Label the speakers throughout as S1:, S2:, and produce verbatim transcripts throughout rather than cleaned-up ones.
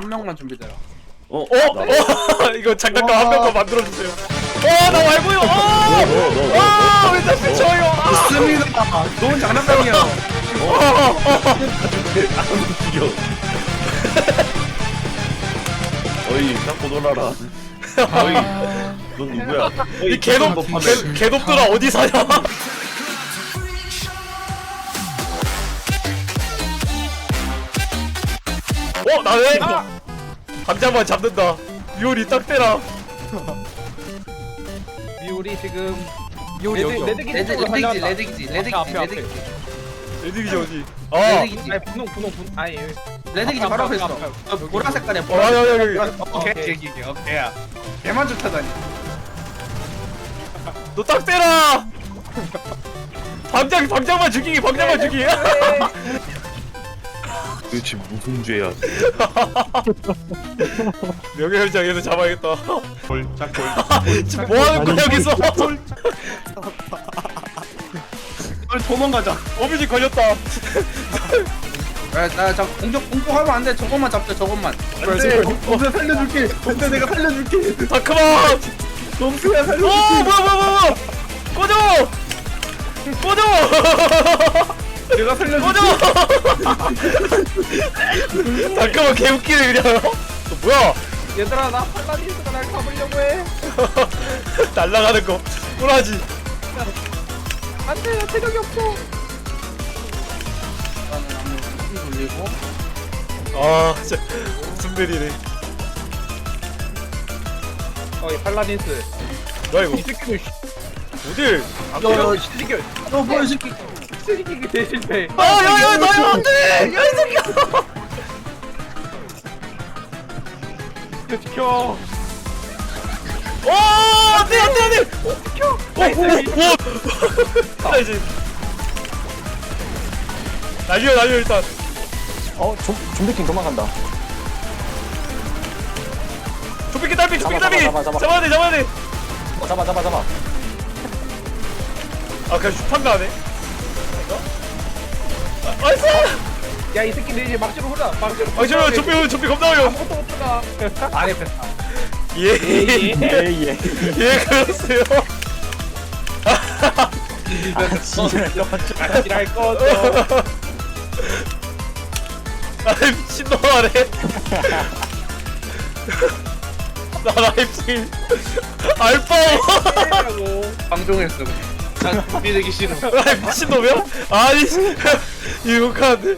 S1: 한 명만 준비되라.
S2: 어?
S3: 어? 어? 이거 장난감 한 명만 만들어주세요. 어, 나 말고요. 어! 아, 왜 자꾸 저요? 아!
S1: 좋습니다. 좋은 장난감이요.
S2: 죽여. 어이, 잡고 놀아라. 어이, 넌 누구야?
S3: 이 개놈, 개, 개놈들아 어디 사냐? 어, 나네? 감자만 잡는다. 미오리 딱 대라.
S4: 미울이 지금
S5: 미울이
S4: 레드
S5: 여기요.
S4: 레드 기지
S1: 레드
S4: 쪽으로
S1: 레드기지
S4: 달려왔다.
S1: 레드기지 레드기지
S5: 앞에, 앞에.
S1: 레드기지
S3: 레드기지 어디? 아,
S1: 레드기지
S4: 아니 분홍 분홍 분 아니 여기.
S1: 레드기지 바로 앞에 있어.
S5: 앞에, 앞에.
S1: 저 보라 색깔이야.
S3: 어,
S1: 보라.
S3: 여기, 여기, 여기.
S1: 오케이 오케이 오케이 오케이야. 개만 좋다다니.
S3: 너 딱 대라. 방장, 방장만 죽이기, 방장만 죽이기.
S2: 도대체 무슨 죄야?
S3: 명예현장에서 잡아야겠다.
S2: 볼, 짝볼.
S3: 지금 뭐 하는 거야 여기서?
S1: 빨리 도망가자.
S3: 어뮤직 걸렸다.
S1: 나저 공격 공격하면 안 돼. 저것만 잡자 저것만.
S3: 안돼.
S1: 동생 살려줄게. 동생 내가 살려줄게.
S3: 다크만.
S1: 동생아
S3: 어,
S1: 살려줄게.
S3: 뭐야, 뭐야, 뭐야, 뭐야. 꺼져. 꺼져.
S1: 내가 살려줄게.
S3: 꺼져. 다크만 개웃기네 그냥. 너 뭐야?
S4: 얘들아 나 팔라디스가 날 잡으려고 해.
S3: 날라가는 거. 꼬라지.
S4: 안돼 나 체력이 없어.
S1: 나는 한번 돌리고.
S3: 아, 진짜 무슨 일이네.
S4: 어이 팔라디스.
S3: 뭐야 이거?
S4: 이 새끼도 씨.
S3: 어딜? 안
S1: 야,
S3: 꺼져?
S1: 야,
S4: 시리겨
S1: 너 뭐야 이 새끼.
S4: 시리기기 대실패.
S3: 아, 야, 야, 나야 안 돼. 야, 이 새끼야.
S4: 지켜.
S3: 어, 안 돼, 안 돼, 안 돼.
S4: 지켜.
S3: 오, 오, 오. 나 이제 날려, 날려 일단.
S5: 어, 좀, 좀비킹 도망간다.
S3: 조피기 달비, 조피기
S5: 잡아,
S3: 달비.
S5: 잡아, 잡아, 잡아.
S3: 잡아야 돼, 잡아야 돼.
S5: 어, 잡아, 잡아, 잡아.
S3: 아, 그냥 슈판가 하네. 아, 나이스.
S4: 야 이 새끼들 이제 막지로 흘러. 막지로.
S3: 아, 저 조피, 조피 겁나 어려.
S4: 아무것도 못 들어가. 아래 뺐다.
S3: 예, 예,
S5: 예, 예.
S3: 예, 그러세요.
S5: 아, 지랄.
S4: 지랄 꺼져.
S3: 아, 미친놈아래. 나 라이프 알바.
S1: 방종했어. 난 준비되기 싫어.
S3: 아, 미친놈이야? 아니, 이거카는데.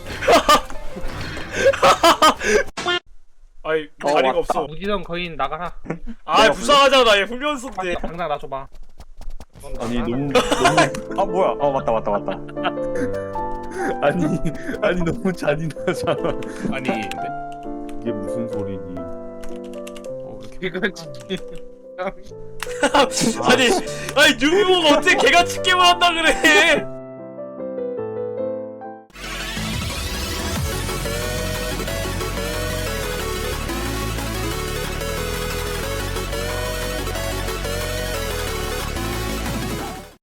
S3: 아이,
S5: 어,
S3: 자리가
S5: 왔다.
S3: 없어.
S4: 무지성 거인 나가라.
S3: 아, 불쌍하잖아. 얘 훈련소인데.
S4: 당장 나 줘봐.
S2: 아니, 너무, 너무,
S5: 아, 뭐야. 어, 맞다, 맞다, 맞다.
S2: 아니, 아니, 너무 잔인하잖아.
S1: 아니
S2: 이게 무슨 소리니?
S1: 이건 진짜.
S3: 아니, 아니, 뉴비보가 어떻게 개같이 게임을 한다 그래.